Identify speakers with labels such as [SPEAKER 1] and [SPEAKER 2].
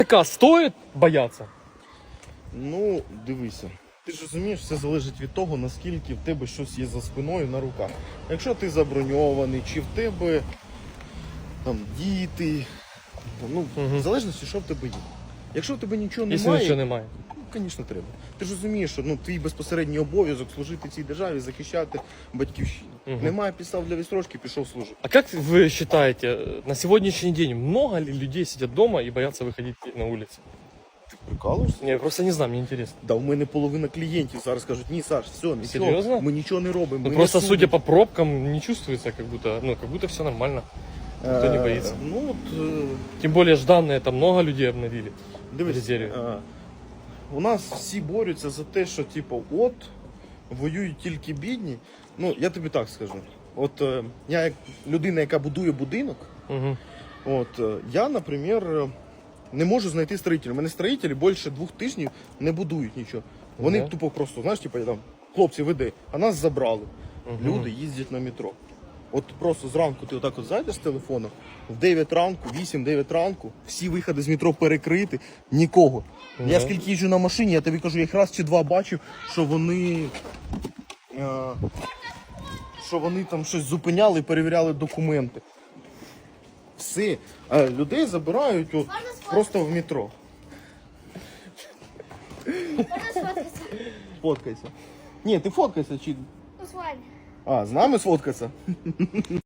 [SPEAKER 1] Така стоїть бояться?
[SPEAKER 2] Ну, дивися. Ти ж розумієш, все залежить від того, наскільки в тебе щось є за спиною на руках. Якщо ти заброньований, чи в тебе там діти, ну, в залежності, що в тебе є. Якщо в тебе нічого
[SPEAKER 1] Якщо
[SPEAKER 2] немає,
[SPEAKER 1] нічого немає.
[SPEAKER 2] ну, звісно, треба. Ти ж розумієш, що твій безпосередній обов'язок служити цій державі, захищати батьківщину. Немає підстав для відстрочки, пішов служити.
[SPEAKER 1] А как вы считаете, на сегодняшний день много ли людей сидят дома и боятся выходить на улицу?
[SPEAKER 2] Ти прикалуєшся?
[SPEAKER 1] Не, я просто не знаю, мне интересно.
[SPEAKER 2] Да, у мене половина клієнтів зараз кажуть, ні, Саш, все, нічого,
[SPEAKER 1] Серйозно?
[SPEAKER 2] ми нічого не робимо.
[SPEAKER 1] Ну,
[SPEAKER 2] ми
[SPEAKER 1] просто
[SPEAKER 2] не
[SPEAKER 1] судя
[SPEAKER 2] судимо».
[SPEAKER 1] по пробкам, не чувствуется, как будто все нормально. Никто не боится.
[SPEAKER 2] Ну, от,
[SPEAKER 1] Тем более Жданные, там много людей обновили в
[SPEAKER 2] дивись,
[SPEAKER 1] резерве.
[SPEAKER 2] у нас всі борються за те, що, типу, от, воюють тільки бідні. Ну, я тобі так скажу. От, я як людина, яка будує будинок,
[SPEAKER 1] Угу.
[SPEAKER 2] я, наприклад, не можу знайти строїтелів. У мене строїтелі більше 2 тижнів не будують нічого. Вони
[SPEAKER 1] Ага.
[SPEAKER 2] тупо просто, знаєш, типу, там, хлопці, веди, а нас забрали. Люди їздять на метро. От просто зранку ти отак от зайдеш з телефоном, в 9 ранку, 8-9 ранку, всі виходи з метро перекриті, нікого. Я скільки їжджу на машині, я тобі кажу, я їх раз чи два бачив, що вони там щось зупиняли і перевіряли документи. Все. А людей забирають от, просто в метро.
[SPEAKER 3] Можна сфоткатися?
[SPEAKER 2] Фоткайся. Ні, ти фоткайся чи.
[SPEAKER 3] Ну, з вами.
[SPEAKER 2] А, з нами сфоткатися?